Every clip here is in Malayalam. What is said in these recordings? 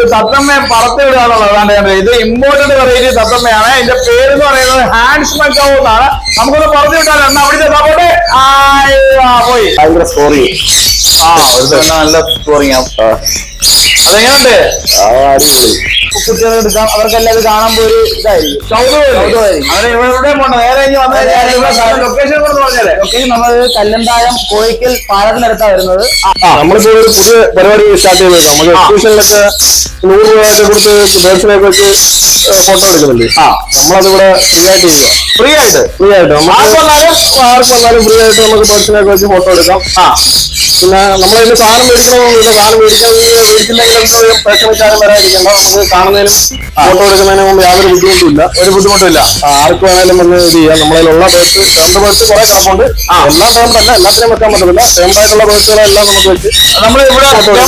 തത്തമ്മയെ പറത്തി വിടുകയാണുള്ളത്. ഇത് ഇമ്പോർട്ടന്റ് വെറൈറ്റി തത്തമ്മയാണ്. ഇതിന്റെ പേര് എന്ന് പറയുന്നത് ഹാൻഡ്സ് മക്കാവോ എന്നാണ്. നമുക്കൊന്ന് പറഞ്ഞു വിട്ടാലോ എന്നാ അവിടുത്തെ പോട്ടെ. പോയി ഭയങ്കര സ്കോറിങ്. നല്ല സ്കോറിങ്. അതെങ്ങനെയുണ്ട്? അടിപൊളി. കുട്ടികൾ എടുക്കാം, അവർക്കെല്ലാം ഇത് കാണുമ്പോ ഒരു ഇതായിരിക്കും, കൗതുകമായിരിക്കും. അവരെ ഇവിടെ പോകണം. നേരെ ലൊക്കേഷൻ പറഞ്ഞാലേ ലൊക്കേഷൻ നമ്മൾ കല്ലന്തായം കോഴിക്കൽ പാലത്തിനടുത്താ വരുന്നത്. നമ്മളിപ്പോ ഒരു പുതിയ പരിപാടി സ്റ്റാർട്ട് ചെയ്തത്. നമുക്ക് എക്സിബിഷനിലൊക്കെ 100 രൂപയൊക്കെ കൊടുത്ത് ബേഡ്സിനെയൊക്കെ വെച്ച് ഫോട്ടോ എടുക്കുന്നുണ്ട്. നമ്മളതിവിടെ ഫ്രീ ആയിട്ട് ആർക്ക് വന്നാലും ഫ്രീ ആയിട്ട് നമുക്ക് ബേഡ്സിനെയൊക്കെ വെച്ച് ഫോട്ടോ എടുക്കാം. പിന്നെ നമ്മളതിന് സാധനം മേടിക്കണമെന്നില്ല. സാധനം മേടിച്ചില്ലെങ്കിൽ പ്രേക്ഷകർക്കാരും വരാതിരിക്കണ്ട. നമുക്ക് കാണുന്നതിനും ഫോട്ടോ എടുക്കുന്നതിനും മുമ്പ് യാതൊരു ബുദ്ധിമുട്ടില്ല. ഒരു ബുദ്ധിമുട്ടില്ല. ആർക്ക് വേണേലും വന്ന് ഇത് ചെയ്യാം. നമ്മളതിലുള്ള ബേഡ്സ് 2 ബേഡ്സ് കുറെ കിടപ്പുണ്ട്. എല്ലാ ടേമിലല്ല, എല്ലാത്തിനും വെക്കാൻ പറ്റത്തില്ല. ടേമായിട്ടുള്ള ബേഡ്സുകളെല്ലാം നമുക്ക് വെച്ച് നമ്മൾ ഇവിടെ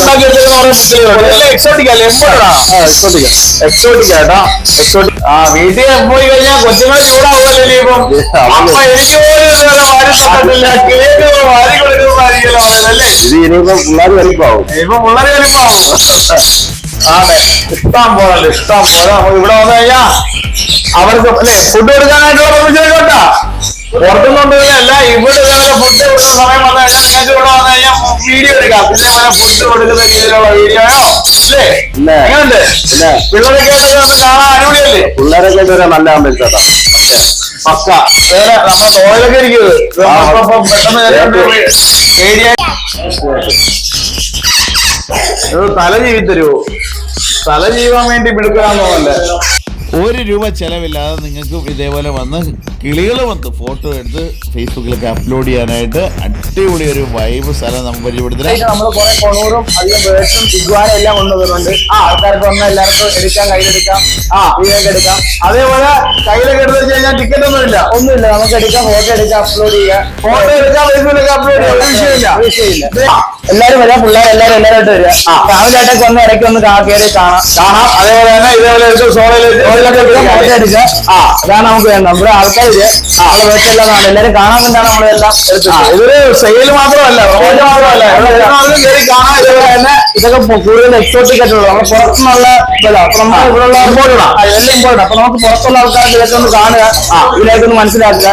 വീട്ടിൽ പോയി കഴിഞ്ഞാൽ കൊച്ചുങ്ങൾ ചൂടാവുമല്ലോ. ഇനിയിപ്പം എനിക്ക് വാരി കൊടുക്കുന്നതായിരിക്കുമല്ലേ. ഇത് ഇനിയിപ്പോ പിള്ളേർ വലിപ്പാവും. ഇപ്പൊ പിള്ളേർ വലിപ്പാവും. അതെ, ഇഷ്ടം പോലെ ഇഷ്ടം പോലെ. നമുക്ക് ഇവിടെ വന്നു കഴിഞ്ഞാൽ അവർക്ക് അല്ലെ ഫുഡ് കൊടുക്കാനായിട്ടുള്ള പെർമിഷൻ കേട്ടാ. പുറത്തുനിന്നുകൊണ്ടിരുന്നല്ല, ഇവിടെ ഇതേപോലെ ഫുഡ് കൊടുക്കുന്ന സമയം വന്നു കഴിഞ്ഞാൽ നിങ്ങൾക്ക് ഇവിടെ വന്നു കഴിഞ്ഞാൽ വീഡിയോ എടുക്കാം. ഇതേപോലെ ഫുഡ് കൊടുക്കുന്ന രീതിയിലുള്ള വീഡിയോയോ അല്ലേ? എങ്ങനെയുണ്ട്? പിള്ളേരൊക്കെ കാണാൻ അടിപൊളിയല്ലേ? പിള്ളേരൊക്കെ നല്ല ആകുമ്പോഴത്തേക്കാ പക്ക. വേറെ നമ്മുടെ തോളിലൊക്കെ ഇരിക്കുന്നത് പെട്ടെന്ന് തല ജീവിതരുവോ? തല ജീവാൻ വേണ്ടി മിടുക്കാന്ന് തോന്നല്ലേ. 1 രൂപ ചെലവില്ലാതെ നിങ്ങൾക്ക് ഇതേപോലെ വന്ന് കിളികൾ വന്ന് ഫോട്ടോ എടുത്ത് ഫേസ്ബുക്കിലൊക്കെ അപ്ലോഡ് ചെയ്യാനായിട്ട് അടിപൊളി ഒരു വൈബ് സ്ഥലം നമുക്ക് പരിചയപ്പെടുത്തില്ല. നമ്മൾ കുറെ കൊണൂറും അധികം ബേഡ്സും ഇഗ്വാനും എല്ലാം കൊണ്ടുവരുന്നുണ്ട്. ആൾക്കാർക്ക് വന്നാൽ എല്ലാവർക്കും എടുക്കാം, കയ്യിലെടുക്കാം, വീഡിയോക്കെ എടുക്കാം. അതേപോലെ കയ്യിലൊക്കെ എടുത്ത് വെച്ച് കഴിഞ്ഞാൽ ടിക്കറ്റ് ഒന്നുമില്ല. നമുക്ക് എടുക്കാം, ഫോട്ടോ എടുക്കാം, അപ്ലോഡ് ചെയ്യാം. ഫോട്ടോ എടുക്കാം, ഫേസ്ബുക്കിലൊക്കെ അപ്ലോഡ് ചെയ്യാം. ഒരു വിഷയമില്ല. എല്ലാരും വരാം, പിള്ളേരെല്ലാരും എല്ലാവരും വരിക. ഫാമിലിയായിട്ടൊക്കെ വന്ന് ഇടയ്ക്ക് ഒന്ന് കയറി കാണാം. അതേപോലെ തന്നെ ഇതേപോലെ ഫോട്ടോ എടുക്കുക. അതാണ് നമുക്ക് വേണ്ടത്. നമ്മുടെ ആൾക്കാർ വീട്ടിലെല്ലാം എല്ലാവരും കാണാൻ വേണ്ടിയാണ് നമ്മളെല്ലാം എടുത്തത്. ഇതൊരു സെയിൽ മാത്രമല്ല, കയറി കാണാൻ. ഇതുപോലെ തന്നെ ഇതൊക്കെ കൂടുതൽ എക്സോട്ടിക് ആയിട്ടുള്ളത് നമ്മൾ പുറത്തുനിന്നുള്ള ഇതല്ല. അപ്പൊ നമ്മൾ ഇവിടെയുള്ള ഇമ്പോർട്ടൻ്റ് എല്ലാം ഇമ്പോർട്ടൻ്റ്. അപ്പൊ നമുക്ക് പുറത്തുള്ള ആൾക്കാർക്ക് ഇതൊക്കെ ഒന്ന് കാണുക, ഇതിലേക്കൊന്ന് മനസ്സിലാക്കുക.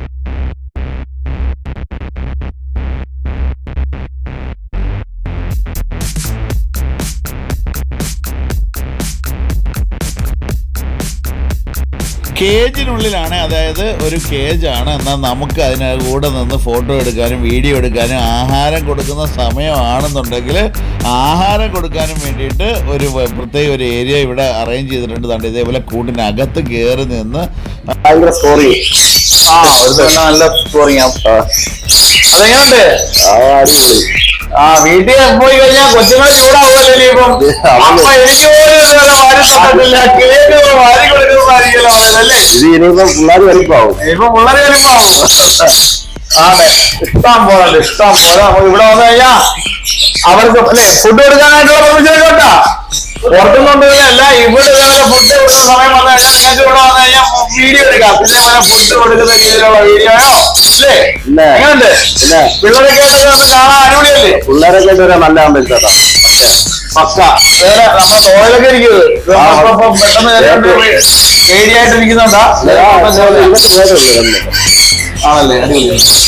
കേജിനുള്ളിലാണ്, അതായത് ഒരു കേജാണ്. എന്നാൽ നമുക്ക് അതിന് കൂടെ നിന്ന് ഫോട്ടോ എടുക്കാനും വീഡിയോ എടുക്കാനും ആഹാരം കൊടുക്കുന്ന സമയമാണെന്നുണ്ടെങ്കിൽ ആഹാരം കൊടുക്കാനും വേണ്ടിയിട്ട് ഒരു പ്രത്യേക ഒരു ഏരിയ ഇവിടെ അറേഞ്ച് ചെയ്തിട്ടുണ്ട്. തണ്ട് ഇതേപോലെ കൂട്ടിനകത്ത് കയറി നിന്ന് ഭയങ്കര സ്കോറിങ്. നല്ല സ്കോറിങ്. അതെങ്ങനെയുണ്ട്? അടിപൊളി. വീട്ടിൽ പോയി കഴിഞ്ഞാൽ കൊച്ചുങ്ങൾ ചൂടാവുമല്ലോ. ഇനിയിപ്പം എനിക്ക് വാരി കൊടുക്കുന്നതായിരിക്കുമല്ലേ. ഇത് ഇനിയിപ്പോ പിള്ളേർ വലിപ്പാവും. ഇപ്പൊ പിള്ളേർ വലിപ്പാവും. അതെ, ഇഷ്ടം പോലെ ഇഷ്ടം പോലെ. നമുക്ക് ഇവിടെ വന്നു കഴിഞ്ഞാൽ അവർക്ക് അല്ലെ ഫുഡ് കൊടുക്കാനായിട്ടുള്ള പെർമിഷൻ കേട്ടാ. പുറത്തുനിന്നുകൊണ്ടിരുന്നല്ല, ഇവിടെ ഇതേപോലെ ഫുഡ് കൊടുക്കുന്ന സമയം വന്നു കഴിഞ്ഞാൽ നിങ്ങൾക്ക് ഇവിടെ വന്നു കഴിഞ്ഞാൽ വീഡിയോ എടുക്കാം. ഇതേപോലെ ഫുഡ് കൊടുക്കുന്ന രീതിയിലുള്ള വീഡിയോയോ അല്ലേ? എങ്ങനെയുണ്ട്? പിള്ളേരൊക്കെ ഒന്ന് കാണാൻ അടിപൊളിയല്ലേ? പിള്ളേരൊക്കെ നല്ല ആകുമ്പോഴത്തേക്കാ പക്ക. വേറെ നമ്മുടെ തോളിലൊക്കെ ഇരിക്കുന്നത് പെട്ടെന്ന് പേടിയായിട്ടിരിക്കുന്നുണ്ടാ. ആണല്ലേ? അടിപൊളി.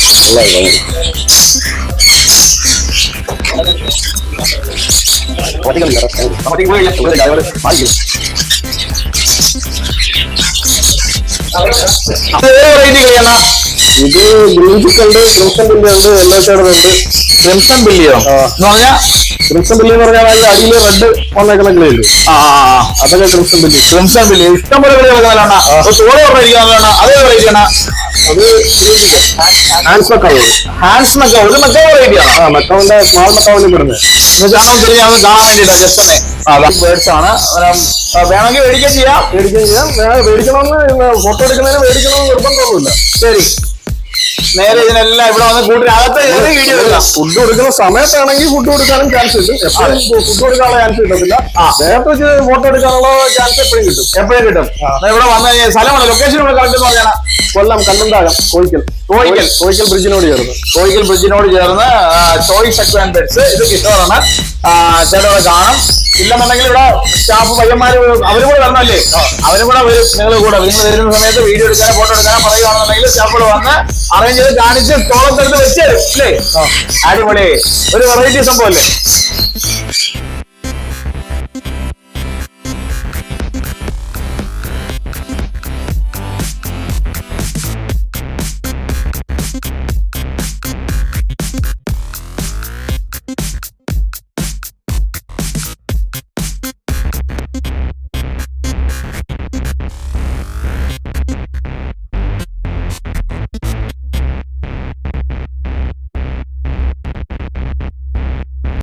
ഇത് ഗ്രീൻ ചിക്കുണ്ട്, ക്രിംസൺ ബില്ലി ഉണ്ട്, യെല്ലോ ഷെയ്ഡ് ഉണ്ട്. ക്രിംസൺ ബില്ലിയോ എന്ന് പറഞ്ഞാൽ? ക്രിംസൺ ബില്ലി എന്ന് പറഞ്ഞാൽ അടിയിൽ റെഡ് വന്നേക്കുന്ന കിളിയുണ്ട്. അതൊക്കെ ക്രിംസൺ ബില്ലി. ക്രിംസൺ ബില്ലി ഇഷ്ടം പോലെ കിളികളാണ്. ചോറ് പറഞ്ഞിരിക്കുന്നതാണ്. അതേ വെറൈറ്റിയാണ്. അത് ഹാൻഡ്സ് മക്കാവ്. ഹാൻഡ്സ് മക്കാവ് ഒരു മക്കാവ് വെറൈറ്റിയാണ്. മക്കാവിന്റെ സ്മാൾ മക്കാവിന് പെടുന്നത്. കാണാൻ വേണ്ടിട്ടാ. ജസ്റ്റ് ബേഡ്സ് ആണ്. വേണമെങ്കിൽ മേടിക്കാൻ ചെയ്യാം. മേടിക്കണമെന്ന് ഫോട്ടോ എടുക്കുന്നതിന് മേടിക്കണമെന്ന് നിർബന്ധമൊന്നുമില്ല. ശരി. നേരെ ഇതിനെല്ലാം ഇവിടെ വന്ന് കൂട്ടിനകത്ത് കയറി വീഡിയോ എടുക്കാം. ഫുഡ് കൊടുക്കുന്ന സമയത്താണെങ്കിൽ ഫുഡ് കൊടുക്കാനും ചാൻസ് കിട്ടും. എപ്പോഴും ഫുഡ് കൊടുക്കാനുള്ള ചാൻസ് കിട്ടത്തില്ല. നേരത്തെ വെച്ച് ഫോട്ടോ എടുക്കാനുള്ള ചാൻസ് എപ്പോഴും കിട്ടും. എപ്പോഴും കിട്ടും. ഇവിടെ വന്നു കഴിഞ്ഞാൽ സ്ഥലമാണ്, ലൊക്കേഷൻ ഇവിടെ കറക്റ്റ് എന്ന് പറഞ്ഞാൽ കൊല്ലം കണ്ണന്താകം കോഴിക്കൽ ബ്രിഡ്ജിനോട് ചേർന്ന് ചോയ്സ് അക്വ ആൻഡ് പെറ്റ്സ്. ഇത് കിഷോറാണ്. ചേട്ടൻ കാണും. ഇല്ലെന്നുണ്ടെങ്കിൽ ഇവിടെ സ്റ്റാഫ് പയ്യന്മാര് അവരും കൂടെ വരണല്ലേ, അവരും കൂടെ വരും. നിങ്ങൾ വരുന്ന സമയത്ത് വീഡിയോ എടുക്കാനോ ഫോട്ടോ എടുക്കാനോ പറയുകയാണെന്നുണ്ടെങ്കിൽ സ്റ്റാഫുകൾ വന്ന് അറേഞ്ച് ചെയ്ത് കാണിച്ച് തോളത്തെടുത്ത് വെച്ച് തരും അല്ലേ. അടിപൊളി, ഒരു വെറൈറ്റി സംഭവം അല്ലേ.